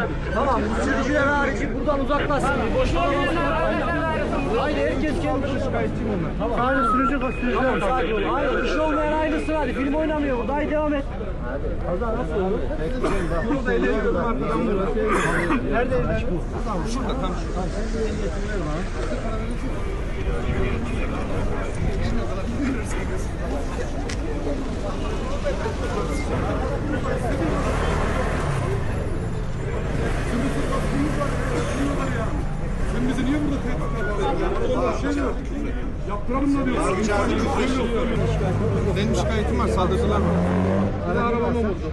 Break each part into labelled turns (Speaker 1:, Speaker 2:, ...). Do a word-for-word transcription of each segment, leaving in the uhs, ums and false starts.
Speaker 1: Tamam, sürücüler harici buradan uzaklaşsın. Boş haydi herkes kendi şikayetçiyim onlar. Tamam. Sadece sürücü sürücüler. Sakin ol. Hayır, bir şey olmayan ayrılsın hadi. Film oynamıyor burada. Haydi devam et. Hadi. Nasıl olur? Burada eğleniyorum arkadan burada. Nerede? Tamam, şurada tam şurada.
Speaker 2: Sen bizi niye burada tehdit ediyorsun? Şey yok. Yaptıralım da diyorsun.
Speaker 3: Benim şikayetim var, saldırdılar mı?
Speaker 2: Bir de arabama vurdu.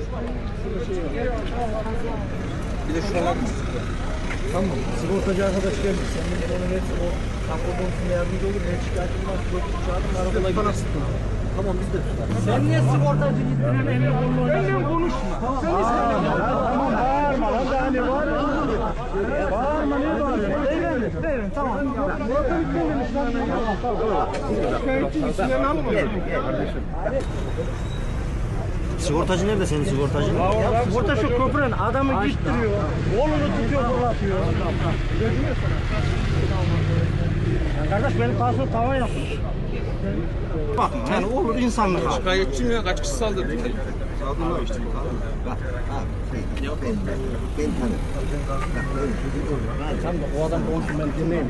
Speaker 3: Bir de şuralar.
Speaker 1: Tamam, sigortacı arkadaş geldi. Sen de ona net o tampon konusunda yardımcı olur. Ne şikayetin var, sigortacı çağırın, arabayla gidersin. Tamam, biz de tutarız. Sen niye sigortacı gittiğinin eline kolunu oynarsın?
Speaker 2: Benimle konuşma.
Speaker 1: Sen tamam, bağırma lan, daha ne var? Bağırma, ne bağırıyorsun? Beyefendi, beyefendi, tamam. Murat'a bitmemiş lan.
Speaker 2: Şikayetçi isimlerini almadın.
Speaker 4: Sigortacı nerede senin sigortacın?
Speaker 1: Ya sigorta şu köprünün adamı gittiriyor. Kolunu tutuyor, fırlatıyor. Ya kardeş benim pasaport tava yapmış.
Speaker 4: Bak yani olur insanlık abi.
Speaker 3: Şikayetçiyim ya, kaç kişi saldırdı?
Speaker 4: Saldırma işte. Bak abi ben ben tanırım.
Speaker 1: Sen de o adam konuşun ben dinleyeyim.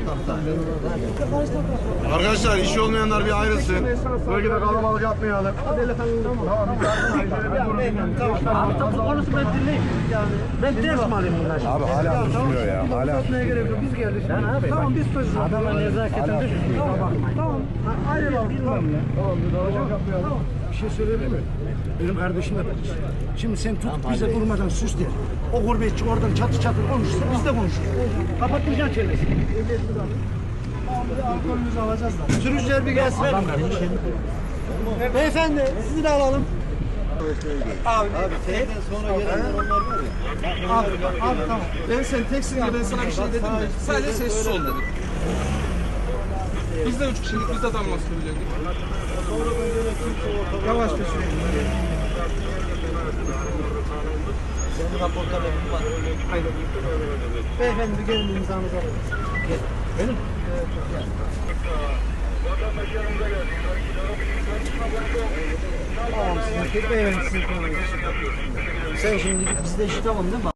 Speaker 2: Arkadaşlar işi olmayanlar bir ayrılsın. Bölgede kalabalık yapmayalım.
Speaker 1: Abi tapu konusu ben dinleyeyim. Ben ders mi alayım bunlar?
Speaker 2: Abi hala düşünüyor ya. Hala.
Speaker 1: Gerek yok. Biz geldik. Yani abi, tamam biz çözeceğiz. Adama nezaketen düşün. Tamam. Tamam. Ayrılalım. Bilmem ne.
Speaker 2: Tamam bir daha yapmayalım.
Speaker 5: Bir şey söyleyebilir miyim? Benim kardeşim de polis. Şimdi sen tutup bize durmadan sus der. O gurbetçi oradan çatı çatı konuşsa biz de konuşuruz.
Speaker 1: Kapatmayacaksın çevresi.
Speaker 5: Alkolümüzü alacağız da.
Speaker 1: Sürücüler bir gelsin. Beyefendi sizi de alalım.
Speaker 4: Abi senden sonra gelenler onlar var ya.
Speaker 1: Abi, abi tamam.
Speaker 3: Ben sen teksin diye ben sana bir şey dedim mi? Sadece sessiz ol dedim. Biz de üç kişilik, biz de damla söyleyecektik.
Speaker 1: Yavaş bir sürücü.
Speaker 4: Senin raporlarla bir var.
Speaker 1: Aynen. Beyefendi bir gelin imzanızı alalım. Gel. Benim? Evet. Gel. Tamam, sizin beyefendi sizin konuyu. Sen şimdi bizde işi tamam değil mi?